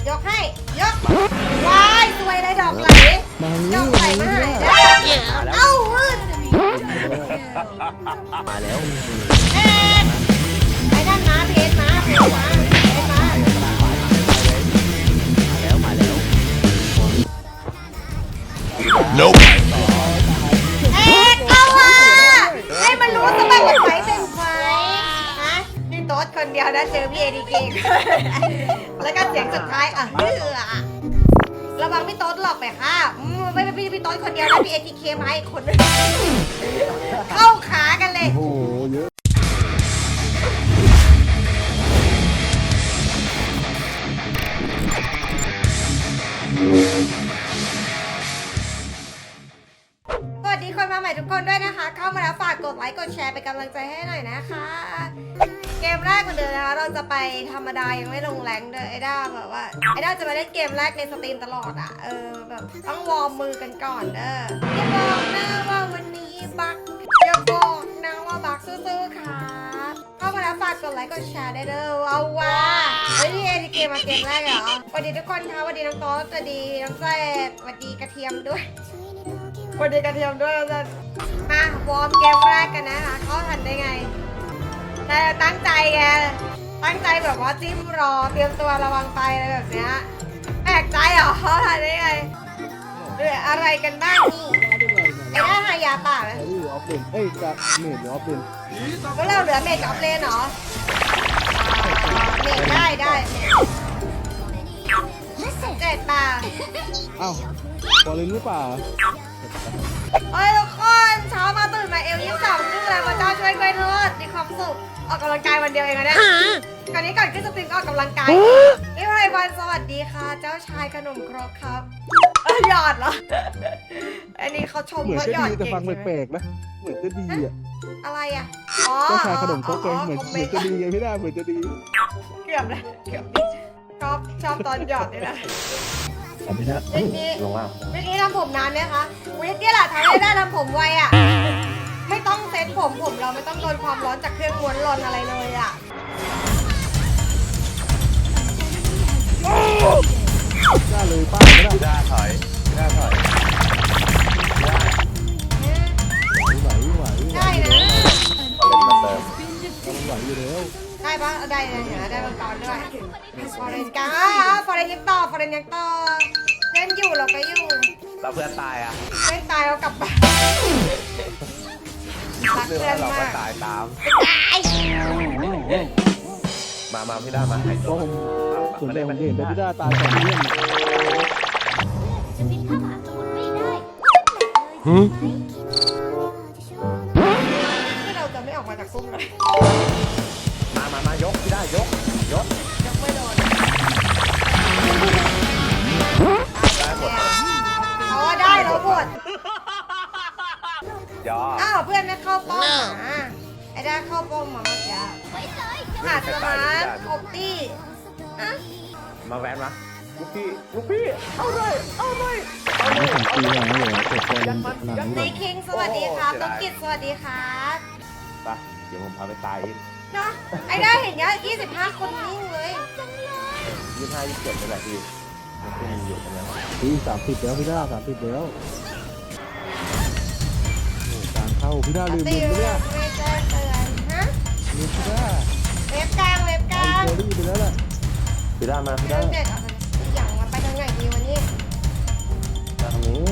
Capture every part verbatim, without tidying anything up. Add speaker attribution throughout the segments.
Speaker 1: ยกให้ยกวายสวยเลยดอกไหลดอกไหลมาหายได้เอ้ามืด
Speaker 2: มาแล้ว
Speaker 1: เอ๊ะไอ้ด้านม้าเพชรม้าเพชรม้าเพชรม้า
Speaker 2: มาแล้วมาแล้ว
Speaker 3: Nope
Speaker 1: เอ๊ะเอาว่ะให้มันรู้สมัครเป็นไฟเป็นไฟฮะนี่โต๊ดคนเดียวนะเจอพี่เอดีเกแล้วก็เสียงสุดท้ายอ่ะเฮือระวังพี่โต๊ดหลอกไปค่ะไม่ไม่พี่พี่โต๊ดคนเดียวนะพี่เอทีเคมาอีกคนนึงเข้าขากันเลย
Speaker 4: โอ้โหเยอะ
Speaker 1: สวัสดีคนมาใหม่ทุกคนด้วยนะคะ เข้ามาแล้วฝากกดไลค์กดแชร์เป็นกำลังใจให้หน่อยนะคะ เกมแรกเหมือนเดิมนะคะเราจะไปธรรมดายังไม่ลงแรงเลยไอ้ด้าแบบว่าไอ้ด้าจะมาเล่นเกมแรกในสตรีมตลอดอ่ะเออแบบต้องวอร์มมือกันก่อนเด้ออย่าบอกนะว่าวันนี้บักอย่าบอกนะว่าบักสู้ๆค่ะเข้ามาแล้วฝากกดไลค์กดแชร์ได้เด้อเอาว่ะเฮ้ยนี่เอทีเกมมาเกมแรกเหรอสวัสดีทุกคนค่ะสวัสดีน้องโต๊ดสวัสดีน้องเซดสวัสดีกระเทียมด้วยสวัสดีกระเทียมด้วยนะมาวอร์มเกมแรกกันนะคะเขาทันได้ไงแต่ตั้งใจไงตั้งใจแบบว่าจิ้มรอเตรียมตัวระวังไปอะไรแบบเนี้ยแปลกใจเหรอเขาทันได้ไงเรื่องอะไรกันบ้างนี่ไอ้หน้าหายาป่าไหม
Speaker 4: ไอ้นี่ออฟเลนเอ้ยจะเมดหรือออฟเลน
Speaker 1: พวกเราเหลือเมจกับออฟเลนเหรอเมจได้ได้เจ็ดป่า
Speaker 4: อ้าวบอลเลนหรือเปล่า
Speaker 1: เฮ้ยทุกคนเช้ามาตื่นมาเอลยี่สิบสองชื่ออะไรพระเจ้าช่วยกล้วยทอดมีความสุขออกกำลังกายวันเดียวเองนะเนี่ยก่อนนี้ก่อนขึ้นสตรีมก็ออกกำลังกายนี่ไพวันสวัสดีค่ะ เจ้าชายขนมครกครับเออหยอดเหรออันนี้เขาชม
Speaker 4: เหมือน
Speaker 1: ว่า
Speaker 4: จะ
Speaker 1: หยอด
Speaker 4: ดีแต่
Speaker 1: เก่ง
Speaker 4: ฟัง
Speaker 1: ใช่ไหม
Speaker 4: แปลกๆนะเหมือนจะดีอ่ะ
Speaker 1: อะไรอ่ะอ๋อ
Speaker 4: เจ้าชายขนมครกเองเหมือน
Speaker 1: คอม
Speaker 4: เห
Speaker 1: เม
Speaker 4: มือน
Speaker 1: นต์
Speaker 4: จะดีไงพี่ด้าเหมือนจะดี
Speaker 1: เกือบเลยเกือบชอบชอบตอนหยอดนี่แหละ
Speaker 2: ไม่ได้
Speaker 1: เมื่อกี้
Speaker 2: ลงล่าง
Speaker 1: เมื่อกี้ทำผมนานไหมคะวิกกี้แหละทำให้ได้ทำผมไวอ่ะไม่ต้องเซ็ตผมผมเราไม่ต้องโดนความร้อนจากเครื่องม้วนร้อนอะไรเลยอ่ะ
Speaker 4: ได้เลยป้าไม่ได้
Speaker 2: พี่ด้าถอยพี่ด้าถอยพี่ด้า
Speaker 4: ไหวไหว
Speaker 1: ได้นะ
Speaker 2: เอาเล่นมาเติม
Speaker 4: ไหวอยู่แล้ว
Speaker 1: ได้ปะเอาได้เลยเห็นไหมได้มังกรด้วยฟอร์เรนกาฟอร์เรนยังต่อฟอร์เรนยังต่อเล่นอยู่เราก็อยู่
Speaker 2: เราเพื่อนตายอ่ะ
Speaker 1: เล่นตายเรากลับบ้านรัก
Speaker 2: เรื่อง
Speaker 1: เพื่อน
Speaker 2: เราก็
Speaker 1: มาก
Speaker 2: ตายตาม
Speaker 1: ตาย
Speaker 2: มามาพี่ด้ามาหาย
Speaker 4: เพ
Speaker 2: ตัว
Speaker 4: ราะผมส่วนใหญ่ผมเห็นแต่พี่ด้าตายก่อนเพื่อน
Speaker 5: จะบินเข้าหาสมุทรไม่ได้
Speaker 1: ที่เราจะไม่ออกมาจากซุ้มเลย
Speaker 2: มามามายกพี่ด้ายกยก
Speaker 1: ยังไม่โดน
Speaker 2: ได้หมด
Speaker 1: เขาว่าได้แล้วหมด
Speaker 2: ยอ
Speaker 1: อ้าวเพื่อนไม่เข้าป้อมหมาไอ้ด้าเข้าป้อมมาเมื่อกี้
Speaker 5: ไว้เลย
Speaker 1: หาสมาร์ทครบตี้อะ
Speaker 2: มาแวนมาลูกพี่ลูกพี่เอาเลยเอาเลยเอาเล
Speaker 4: ไม่
Speaker 2: ย
Speaker 4: ผมตีหลังเลยเปิดบอลหลัง
Speaker 1: ใน
Speaker 4: เลย
Speaker 1: คิงสวัสดีครับต้นกิจสวัสดีครับ
Speaker 2: ไปเดี๋ยวผมพาไปตาย
Speaker 1: เนาะไอ้ด้าเห็นเนี้ยยี่สิบห้าคนนิ่งเลย
Speaker 2: ยี่ห้ายี่สิบเจ็ดนี่แหละพี่มันก็มีอยู่ตรงนั้น
Speaker 4: ตีสามสิบแล้วพี่ด้าสามสิบแล้วการเข้าพี่ด้าลืม
Speaker 1: ตี
Speaker 4: ลืม
Speaker 1: เรื่
Speaker 4: เนี่
Speaker 1: อย งไม่แจ้งเตือนฮะ
Speaker 4: ลืมพี่ด้า
Speaker 1: เว็บกลางเว็บก
Speaker 4: เอา
Speaker 1: ลาง
Speaker 4: เจอรี่ไปแล้วแหละ
Speaker 2: พี่ด้ามาพี่
Speaker 1: เรื่
Speaker 2: ด้า
Speaker 1: องเด็ดเอาไปอย่างมาไปทางไหนดีวันนี้
Speaker 2: ทางนี้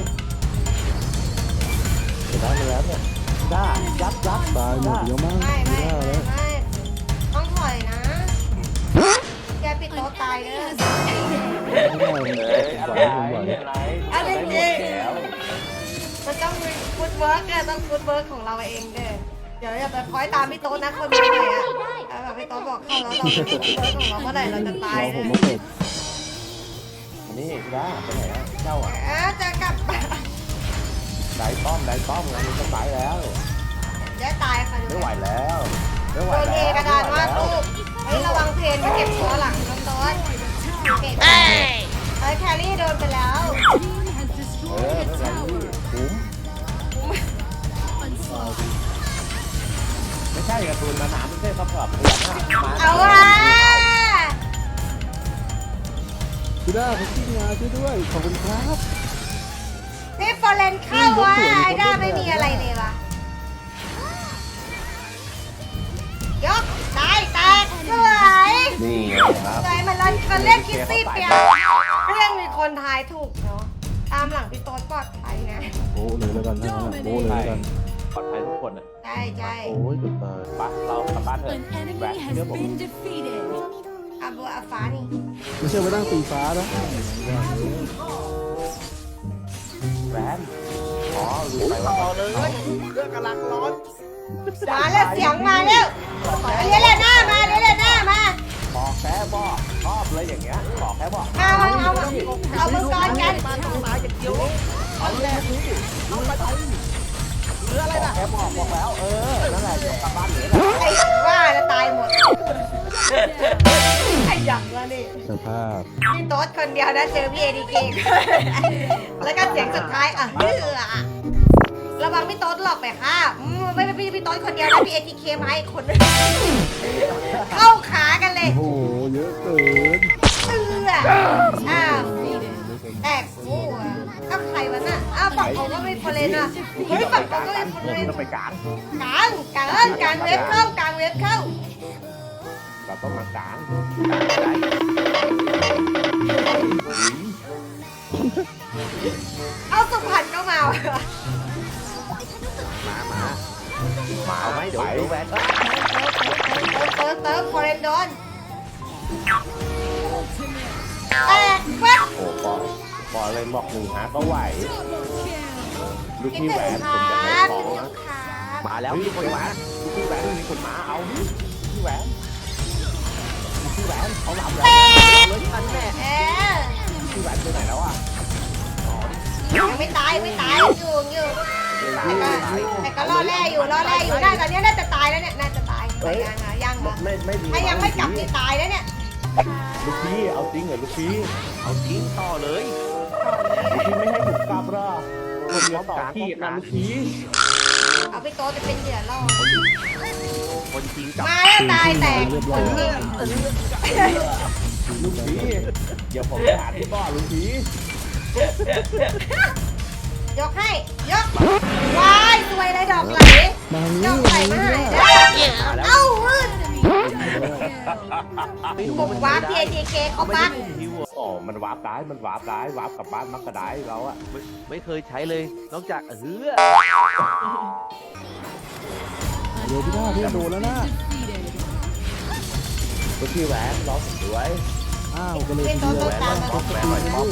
Speaker 2: พี่ด้ามาแล้วเนี่ยด้ายับยับ
Speaker 4: ตายหมดเยอะมาก
Speaker 1: ไม่ไม่
Speaker 4: พี่ด้า
Speaker 1: ไม่
Speaker 4: แล้ว
Speaker 1: ไม่ต้องถอยนะแกปิดโต๊ะตายเด้อ
Speaker 4: ไม่ได้ผมไหวผมไหว
Speaker 2: อะไร
Speaker 1: อันนี้จริง
Speaker 2: แล้ว
Speaker 1: มันต้องมีฟุตเวิร์กเนี่ยต้องฟุตเวิร์กของเราเองเด้อเดี๋ยวอย่าไปคอยตามพี่โต๊ะนะคนใหม่อะเอาแบบพี่โต๊ะบอกเข้าแล้วเราเป็นฟุตเวิร์กของเราเมื่อไหร่เราจะตาย
Speaker 4: รอผ
Speaker 1: เนี่
Speaker 4: ม
Speaker 1: ย
Speaker 4: มาเปิด
Speaker 2: นี่พี่ด้าไปไหนอะเจ้าอ่ะ
Speaker 1: เออจะกลับบ้าน
Speaker 2: ได้ป้อมได้ป้อมงานนี้ก็ตายแล้ว
Speaker 1: จะตายค่ะดู
Speaker 2: ไม่ไหวแล้วไม่ไหว
Speaker 1: โดนเท
Speaker 2: แล้ว
Speaker 1: กระดานวาดรูปเฮ้ยระวังเพนมาเก็บตัวหลังน้องโต๊ะเก็บเฮ้ยแครี่โดนไปแล้ว
Speaker 2: เออไม่เป็นไรพี่คุ้มไม่ใช่การ์ตูนมาหนาไม่ใช่ซัพพอร์ตตัวนะมา
Speaker 1: เอาว่ะ
Speaker 4: พี่ด้าเขาขี้งาช่วยด้วยขอบคุณครับ
Speaker 1: นี่ฟอร์เรนเข้าว่ะไอ้ด้าไม่มีอะไรเลยวะยกตายแตกสวย
Speaker 2: นี่ไงครับ
Speaker 1: สวยมันเล่นมันเล่นคิดซี่เปียเรื่องมีคนทายถูกเนาะตามหลังพี่โต๊ดปลอดภัยนะ
Speaker 4: โอ้เลยแล้วกันนะโอ้เลยแล้วกัน
Speaker 2: ปลอดภัยทุกคนอ่ะ
Speaker 1: ใช่ใช่
Speaker 4: โอ้ยเกือบตาย
Speaker 2: ไปเรากลับบ้านเถอะ
Speaker 5: An
Speaker 2: แหว
Speaker 5: enemy
Speaker 2: น
Speaker 5: has
Speaker 2: เชื่อผม
Speaker 5: been defeated.
Speaker 1: อาบัวอาฟ้านี่
Speaker 4: ไม่เชื่อไปนั่งตีฟ้านะ
Speaker 2: แหวนอ๋อลืมไปว่าต่อเลยเครื่องกำลังร้อน
Speaker 1: มาแล้วเสียงมาแล้วเรียนเลยหน้ามาเรียนเลยหน้ามา
Speaker 2: บอกแค่บอกชอบเลยอย่างเงี้ยบอกแค่บอก
Speaker 1: เอาเอาเอาเอามือกรกัน
Speaker 2: เอาแรกนี่เอาไปไปเหลืออะไรนะแค่บอกบอกแล้วเออนั่นแหละเดี๋ยวกลับบ้านเหลือ
Speaker 1: ไอ้ว่าจะตายหมดไอ้ยังละนี่
Speaker 4: สภาพ
Speaker 1: พี่โต๊ดคนเดียวนะเจอพี่เอดีเกแล้วก็เสียงสุดท้ายอ่ะเฮือระวังพี่โต๊ดหลอกไปค่ะอืมไม่ไม่พี่พี่โต๊ดคนเดียวนะพี่เอทีเคมาอีกคนนึงเข้าขากันเลย
Speaker 4: โอ้โหเยอะเกิน
Speaker 1: เฮืออ้าวแตกคู่อ่ะก็ใครวะน่ะอ้าวฝั่งเขาก็ไม่พอเลนอ่ะเฮ้ยฝั่งเขาก็ไม่พอเลน
Speaker 2: ต้องไปกลาง
Speaker 1: กลางกลางกลางเว็บเข้ากลางเว็บเข้า
Speaker 2: เราต้องมากลาง
Speaker 1: เอาสุพรรณก็มาว่ะ
Speaker 2: มามามาเอาไหมเดี๋ยวเดี๋ยวแหวน
Speaker 1: เติร์ฟเติร์ฟพอเลนโดนแตกเว็บ
Speaker 2: โอ้ปอปอเลยบอกหนึ่งฮะก็ไหวลูก
Speaker 1: คิด
Speaker 2: พี่
Speaker 1: ถึ
Speaker 2: แหว
Speaker 1: ง
Speaker 2: น
Speaker 1: ค
Speaker 2: ผม
Speaker 1: รั
Speaker 2: จะให้
Speaker 1: บ
Speaker 2: ขอ
Speaker 1: คิด
Speaker 2: ง
Speaker 1: ถึง
Speaker 2: นะครับ
Speaker 1: มา
Speaker 2: แล้วมีคนมาลูกพี่แหวนมีคนมาเอาพี่แหวนลูกพี่แหวนเขาหลับแล้วเลยทันแน่
Speaker 1: เออ
Speaker 2: พี่แหวนไปไหนแล้วอ่ะ
Speaker 1: ยังไม่ตายไม่ตายอยู่อยู่แต่ก็แต่ก็รอแร่อยู่รอแร่อยู่น่าตอนนี้น่าจะตายแล้วเนี่ยน่าจะตายแต่ยังอ่ะยังเหรอ
Speaker 2: ไม่ไม่ดี
Speaker 1: ถ้ายังไม่กลับนี่ตายแล้วเนี่ย
Speaker 2: ลูกพี่เอาจริงเหรอลูกพี่เอาจริงต่อเลยลูกพี่ไม่ให้ผมกลับหรอผมจะต่อที่นะลูกพี่
Speaker 1: เอาไปโต๊ะจะเป็นเหยื่อล่อ
Speaker 2: คนจริงกับ
Speaker 1: มาแล้วตายแตกคนจริง
Speaker 2: ลูกพี่เดี๋ยวผมไปหาที่บ่อลูกพี่
Speaker 1: ยกให้ยกวายสวยเลยดอกไหล
Speaker 4: มาทาง
Speaker 1: ด
Speaker 4: นี้
Speaker 1: อกไหลมาหายได้เอ้าวืดผมวาร์ปพีเอทีเคเขาบัก
Speaker 2: อ๋อมันวาร์ปได้มันวาร์ปได้วาร์ปกลับบ้านมักกระได้เราอะ
Speaker 3: ไม่ไม่เคยใช้เลยนอกจากเฮือ
Speaker 4: เดี๋ยวพี่ด้าพี่โดนแล้วนะ
Speaker 2: ลูกพี่แหวนร้องสวย
Speaker 4: อ้าวก็เลย
Speaker 1: เป็น
Speaker 4: ที
Speaker 1: โต๊ะ
Speaker 4: เดียว
Speaker 1: โต๊ะตามมา
Speaker 4: ก็สกิลไม่รู้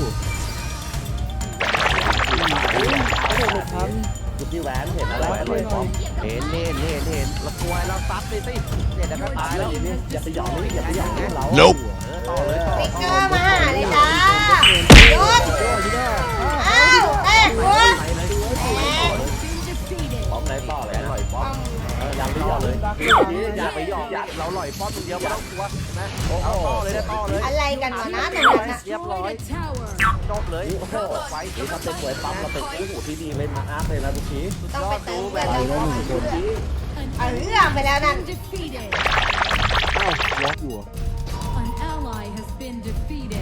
Speaker 4: เอาหมดทัน
Speaker 2: ลูกพี่แหวนเห็นอะไร
Speaker 3: อร่อยป๊อปเห็นเห็นเห็นเห็นแล้วกลัวเราซัดเลยสิเนี่ยเดี๋ยวก็ตายแล้ว
Speaker 2: อย่าไปหยอกนี่อย่าไปหยอกนี่เรา
Speaker 3: เออต่อเลยต่อ
Speaker 1: สติ๊กเกอร์มาหาเลยจ้าหยุด
Speaker 4: พี่ด้า
Speaker 1: อ้าวแตกหัว
Speaker 3: ไปเลย
Speaker 1: แตก
Speaker 2: พร้อมไหนต่อเลยอร่อยป๊อป
Speaker 3: อย่าไปหยอกเลยอย่าไปหยอกอย่าเราหล่อยป๊อปตัวเดียวไม่ต้องกลัวนะเอาต่อเลยนะต่อเลย
Speaker 1: อะไรกันวะนะตรงนั้นอะ
Speaker 3: เรียบร้อยจบเลยโอ้โหไฟ
Speaker 2: นี่ถ้าเป็นหวยปั๊มเราเป็นคู่หูที่ดีเลยมาอาร์ตเลยนะลูกพี่
Speaker 1: ต้องไปเติม
Speaker 3: แบ
Speaker 1: เงิ
Speaker 3: บ
Speaker 1: น
Speaker 4: ไปแล้วหนึ่งคน
Speaker 1: เอาเรื่องไปแล้วนั่น
Speaker 4: อ้าวล็อกอยู่อะ
Speaker 5: An ally has been defeated.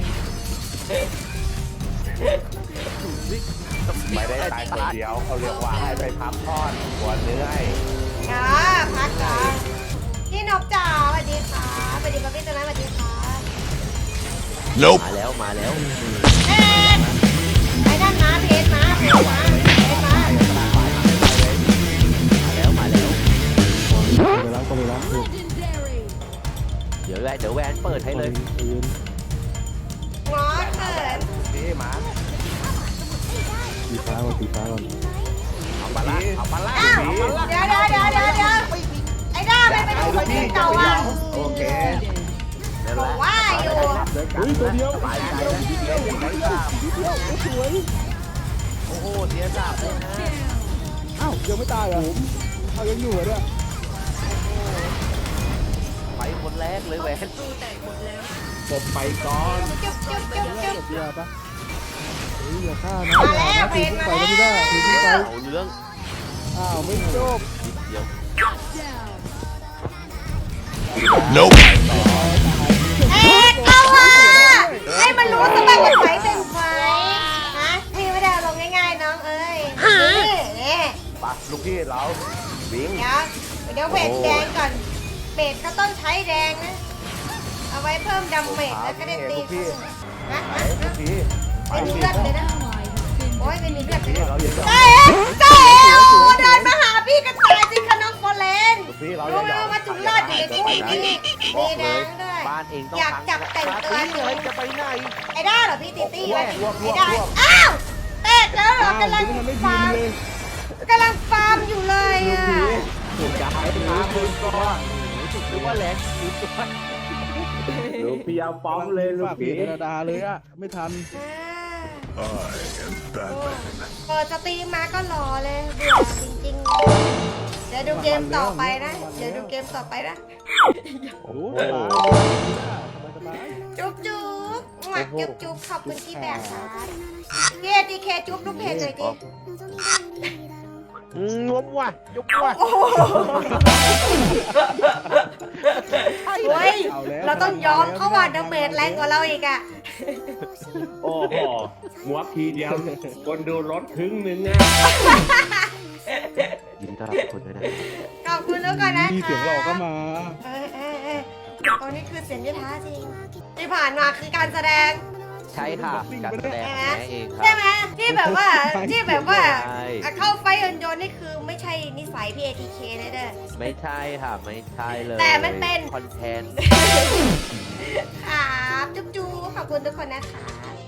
Speaker 2: ไม่ได้ตายคนเดียวเขาเรียกว่าให้ไปพักผ่อนหัวเหนื่อย
Speaker 1: จ้าพักก่อนพี่นกจ๋าสวัสดีค่ะสวัสดีป๊าพี่ตัวนั้นสวัสดีค่ะ
Speaker 3: มาแล้วมาแล้ว
Speaker 1: เอ๊ะไอ้นั่นมาเพจมาเพจมาเพจมา
Speaker 3: มาแล้วมาแล้ว
Speaker 4: ไปแล้วก็ไปแล้วเ
Speaker 5: Legendary.
Speaker 3: เดี๋ยวแวนเดี๋ยวแวนเปิดให้เลย
Speaker 4: เย็น
Speaker 1: งอเขิน
Speaker 2: นี่มา
Speaker 4: ตีฟ้าก่อนตีฟ้าก่อน
Speaker 2: เอาปลาละเอาปลาละ
Speaker 1: อ้าวเดี๋ยวเดี๋ยวเดี๋ยวเดี๋ยวเดี๋ยวไอ้ด้าไม่ไปดูคนอื่นเก่าอ่ะ
Speaker 2: โอเค
Speaker 3: นั่น
Speaker 1: บ
Speaker 3: แห
Speaker 1: อก
Speaker 3: ละ
Speaker 1: ว่าอยู่
Speaker 4: เฮ้ยตัวเดียว
Speaker 3: สบายใจแล้วที่เดียวยังไม่ทราบ
Speaker 4: นิดเดียวโอ้สวย
Speaker 3: โอ้โหเสียสาบเลยนะ
Speaker 4: อ้าวยังไม่ตายเหรอเอายังอยู่เหรอเนี่ย
Speaker 3: ไปคนแรกเลยแหวน
Speaker 2: ผมไปก่อน
Speaker 1: จุ๊บจุ๊บจุ๊บจุ๊บ
Speaker 4: จบเดียวปะเฮ้ยอย่าฆ่านะ
Speaker 1: มาแล้ว
Speaker 4: อย่านะ
Speaker 1: เพจมา
Speaker 4: ไปไม่ได้
Speaker 1: แล้ว
Speaker 4: ตีขึ้นไป
Speaker 3: เอาเรื่อง
Speaker 4: อ้าวไม่จบ
Speaker 3: นิดเดียว
Speaker 5: Down.
Speaker 1: เอ๊ะเข้าอ่ะให้มันรู้ซะบ้างว่า
Speaker 3: เราบิง
Speaker 1: เดี๋ยวเดี๋ยวเวทแดงก่อนเบสก็ต้องใช้แดงนะเอาไว้เพิ่มดาเมจแล้วก็ได้ตีขึ้นนะ
Speaker 3: ไป
Speaker 1: นะ
Speaker 3: ลูกพี่
Speaker 1: ไม่มีเลือดเลยนะโอ้ยไม่มีเลือดเลย
Speaker 3: นี่
Speaker 1: นะ
Speaker 3: เราอย่า
Speaker 1: เจ๊เจ๊โอ้เดินมาหาพี่กันตายสิคะน้องโฟเลน
Speaker 3: ลูกพี่เราอ
Speaker 1: รู้
Speaker 3: ย่า
Speaker 1: ไหมว่าจุฬาอยู่ในคุกนี่มีแดงด้วย
Speaker 3: บ้านเองต้อง
Speaker 1: อยากจับแต่งตัว
Speaker 3: อะไรจะไปไหน
Speaker 1: ไอ้ด้าเหรอพี่ตีตี้ไว้
Speaker 3: รวบรวบ
Speaker 1: ไอ้ด้าร
Speaker 3: วบ
Speaker 1: อ้าวแตกแล้วเหรอ
Speaker 4: อ้าว
Speaker 1: กำลัง
Speaker 4: มันไม่
Speaker 1: ฟา
Speaker 4: ยิง
Speaker 1: ร์ม
Speaker 4: เลย
Speaker 1: กำลังฟาร์มอยู่เลยอ่ะ
Speaker 3: ถูกย้ายมาคนก่อนหรือว่าแหลกอยู่ตัว
Speaker 2: ลูกพี่เอาป้อมเลยลูก
Speaker 4: ฝากเพ
Speaker 2: พี่
Speaker 4: จดาเลยอ่ะ ไม่ทัน
Speaker 1: อ่าเปิดสตรีมมาก็รอเลยเบื่อจริงๆ เดี๋ยวดูเกมต่อไปนะ เดี๋ยวดูเกมต่อไปนะ
Speaker 4: โอ้สบายสบาย
Speaker 1: จุ๊บจุ๊บหวัดจุ๊บจุ๊บขอบคุณที่แบกครับพี่เอทีเคจุ๊บลูกเพจเลยดิ
Speaker 3: งมว่ะยกว่ะ
Speaker 1: โอ้โหเฮ้ย
Speaker 4: เอาแล้ว
Speaker 1: เราต้องยอมเขาว่าดาเมจแรงกว่าเราอีกอ่ะ
Speaker 2: โอ้โหหัวทีเดียวคนดูรถครึ่งหนึงอ่ะ
Speaker 3: ยินดีต้อนรับคุณด้วยนะ
Speaker 1: ขอบคุณทุกคนนะ
Speaker 4: มี
Speaker 1: คะ
Speaker 4: เสียงหลอกก็มา
Speaker 1: เออเออเออตอนนี้คือเสียงยท้าจริง ที่ผ่านมาคือการแสดง
Speaker 3: ใช่ค่ะการแสดง
Speaker 1: ใช่
Speaker 3: ของ
Speaker 1: ไหม
Speaker 3: แม่เองค่ะ
Speaker 1: ใช่ไหมที่แบบว่าที่แบบว่า
Speaker 3: ใช่
Speaker 1: อ่ะเข้าไฟยนต์ยนต์นี่คือไม่ใช่นิสัยพี่เอทีเคเลยเด้อ
Speaker 3: ไม่ใช่ค่ะไม่ใช่เลย
Speaker 1: แต่มันเป็น
Speaker 3: คอนเทนต์
Speaker 1: ครับจุ๊บจุ๊บขอบคุณทุกคนนะคะ